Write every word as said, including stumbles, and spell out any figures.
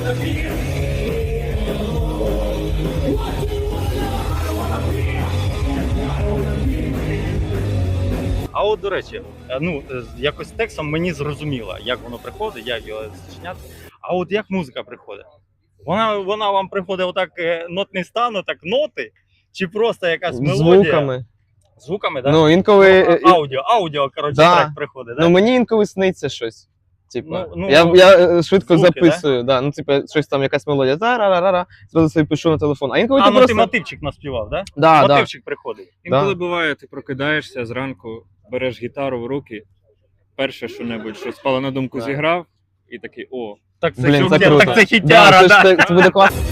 А от, до речі, ну, якось текстом мені зрозуміло, як воно приходить, як його зчиняти. А от як музика приходить? Вона, вона вам приходить отак нотний стан, отак ноти, чи просто якась мелодія? Звуками. Звуками, так? Ну, інколи... А, аудіо, аудіо, коротше, Да. трек приходить, так? Ну, мені інколи сниться щось. Типа, Ну, ну, я, я швидко звуки, записую, да? Ну, типа, щось там, якась мелодія, та-ра-ра-ра, зразу собі пишу на телефон. А інколи А, ти ну просто... ти мотивчик наспівав, так? Да, да. Мотивчик приходить. Інколи Да. буває, ти прокидаєшся зранку, береш гітару в руки, перше що-небудь, що спало на думку, Да. зіграв, і такий, о, Так це, Блін, що, це так круто. це хітяра, Да, це, да. ж- це, це буде класно.